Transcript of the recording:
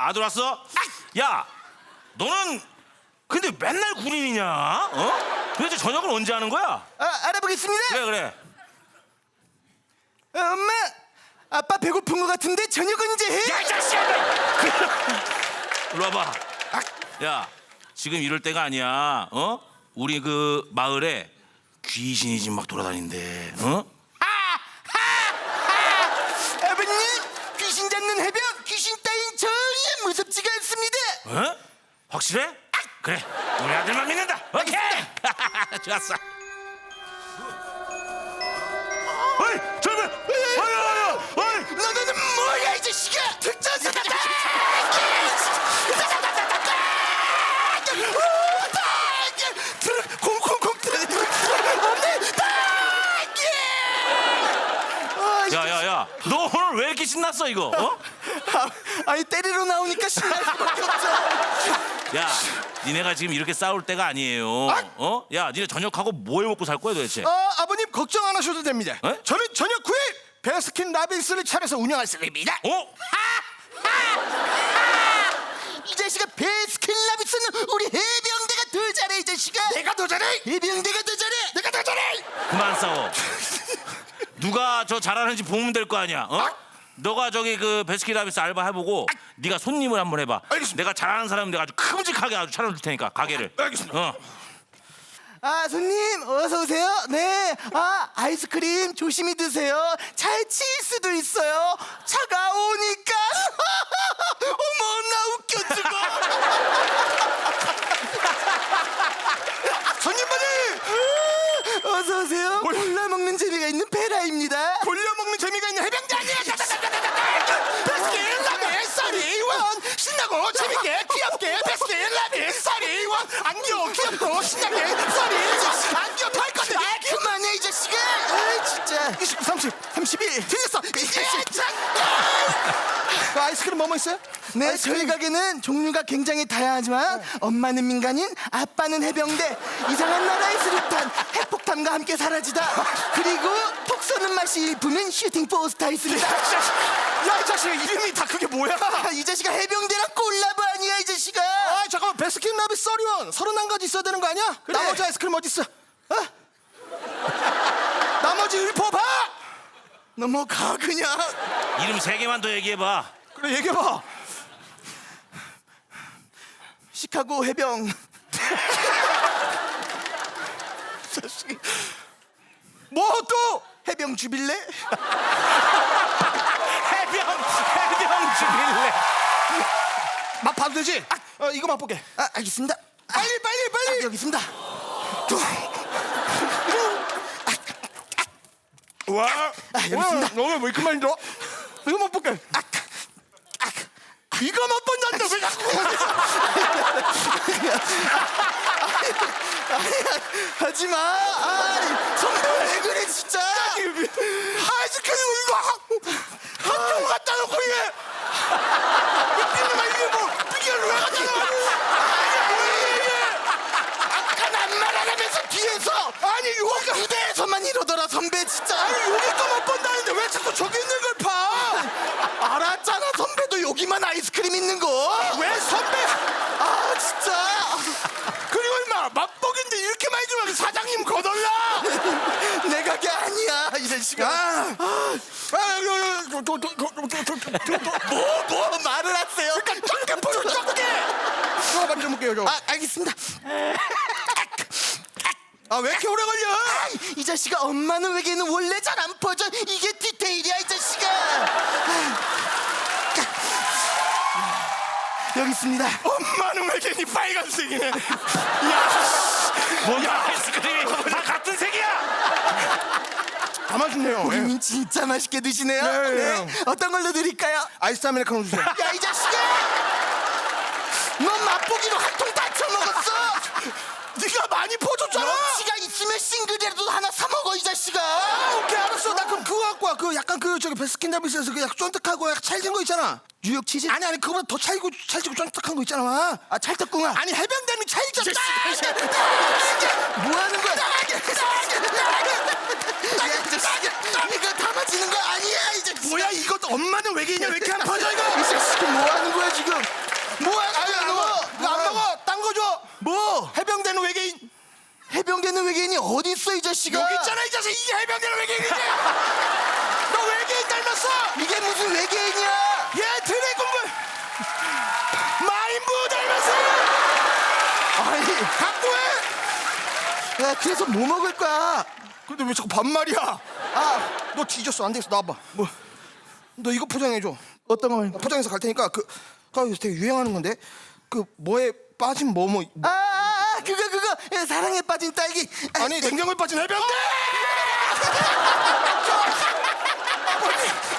아들 왔어? 야, 너는 근데 맨날 군인이냐? 어? 도대체 저녁을 언제 하는 거야? 알아보겠습니다. 그래. 엄마, 아빠 배고픈 것 같은데 저녁 언제 해? 야, 이 자식아! 일로 와봐. 야, 지금 이럴 때가 아니야. 어? 우리 그 마을에 귀신이 지금 막 돌아다닌대. 어? 아버님, 귀신 잡는 해병, 귀신 따윈 전혀 무섭지가 않습니다. 어? 확실해? 그래, 우리 아들만 믿는다. 오케이. 좋았어. 어이, 저기, 어이. 너는 뭐야 이 자식아? 특전사다! 콩콩콩 야, 너 오늘 왜 이렇게 신났어 이거? 어? 아니 때리러 나오니까 신날 수밖에 없죠. 야, 니네가 지금 이렇게 싸울 때가 아니에요. 어? 야, 니네 저녁하고 뭐 해 먹고 살 거야 도대체? 아버님 걱정 안 하셔도 됩니다. 에? 저는 저녁 9일 베스킨 라빈스를 차려서 운영할 생각입니다. 어? 이 자식아, 베스킨 라빈스는 우리 해병대가 더 잘해. 이 자식아, 내가 더 잘해. 해병대가 더 잘해. 내가 더 잘해. 그만 싸워. 누가 저 잘하는지 보면 될 거 아니야. 어? 너가 저기 그 베스킨라빈스 알바 해보고 네가 손님을 한번 해봐. 알겠습니다. 내가 잘하는 사람 내가 아주 큼직하게 아주 차려줄 테니까 가게를. 알겠습니다. 어. 손님 어서 오세요. 네, 아이스크림 조심히 드세요. 잘 칠 수도 있어요. 차가우니까. 어머, 나 웃겨 죽어. 손님분들 어서 오세요. 골라 먹는 재미가 있는 베라입니다. 골려 먹는 재미가 있는 해병대 아니야. 베스킨 라빈 썰이원 신나고 재밌게 귀엽게 베스킨 라빈 썰이원 안겨 귀엽고 신나게 썰이 안겨 더 할 건데 그만해 이 자식아. 아, 진짜. 29, 30, 31 틀렸어. 그 아이스크림 뭐뭐 있어요? 네, 저희 가게는 종류가 굉장히 다양하지만 엄마는 민간인, 아빠는 해병대, 이상한 나라의 수류탄, 핵폭탄과 함께 사라지다, 그리고 톡 쏘는 맛이 일품인 슈팅 포스타 있습니다. 야, 이 자식 이름이 다 그게 뭐야? 이 자식아, 해병대랑 콜라보 아니야 이 자식아. 잠깐만, 베스킨 라빈 썰이원 31가지 있어야 되는 거 아니야? 그래. 나머지 아이스크림 어디 있어? 나머지 읊어봐. 넘어가 그냥. 이름 3개만 더 얘기해봐. 그래, 얘기해봐. 시카고 해병. 뭐 또? 해병 주빌레? 해병 주빌레. 맛 봐도 되지? 이거 맛보게. 알겠습니다. 빨리. 여기 있습니다. 와, 여기 있습니다. 너왜 이렇게 많이 들어? 이거 맛볼게. 이거 맛본다는데 왜 자꾸 하지마. 선배 왜 그래 진짜. 아이스크림 이거 한쪽 갖다 놓고 이게 미친놈아, 이게 뭐 비결을 왜 갖다 놔? 이게 뭐야 이게? 아까 난 말 안 하면서 뒤에서. 아니 여기가 무대에서만 이러더라 선배 진짜. 아니 여기 거 맛본다는데 왜 자꾸 저기 있는 걸 파? 알았잖아, 선배도 여기만 아이스크림 있는 거. 왜 선배? 진짜. 그리고 임마 맛보기인데 이렇게 많이 주면 사장님 거덜나. 내 가게 아니야 이 자식아. 뭐 말을 하세요. 적게 보여, 적게. 저거 만져볼게요, 저거. 알겠습니다. 왜 이렇게 오래 걸려? 이 자식아, 엄마는 외계는 원래 잘 안 퍼져. 이게 디테일이야 이 자식아. 여기 있습니다. 엄마는 왜 괜히 빨간색이네. 뭐야, 아이스크림이 다 같은 색이야. 다 맛있네요. 우리는 진짜 맛있게 드시네요. 네. 어떤 걸로 드릴까요? 아이스 아메리카노 주세요. 야, 이 자식아! 넌 맛보기로 한 통 다 쳐먹었어. 네가 많이 퍼줬잖아. 너치가 있으면 싱글이라도 하나 사 먹어 이 자식아. 오케이, 알았어. 나 그럼 그거 갖고 와. 그 약간 그 저기 베스킨 라빈스에서 그 약간 쫀득하고 약간 찰진 거 있잖아. 뉴욕 치즈? 아니 그거보다 더 찰지고 쫀득한 거 있잖아. 찰떡궁합. 아니 해병대는 찰지잖아. 뭐 하는 거야? 야, 이 자식아, 이거 다 맞히는 거 아니야 이 자식아. 뭐야 이것도 엄마는 외계인이야 왜 이렇게 안 퍼져 이거? 이 자식아, 뭐 하는 거야 지금? 외계인이 어디 있어 이 자식아? 여기 있잖아 이 자식. 이게 해병대는 외계인이지. 너 외계인 닮았어. 이게 무슨 외계인이야? 얘 드래곤볼 마인부 닮았어. 아니, 갖고 해. 야, 그래서 뭐 먹을 거야? 근데 왜 자꾸 반말이야? 아, 너 뒤졌어. 안 되겠어. 나와봐. 뭐? 너 이거 포장해줘. 어떤 거 말이야? 포장해서 갈 테니까 요새 되게 유행하는 건데 그 뭐에 빠진 뭐 그거 야, 사랑에 빠진 딸기. 아니 냉장고에 빠진 해병대.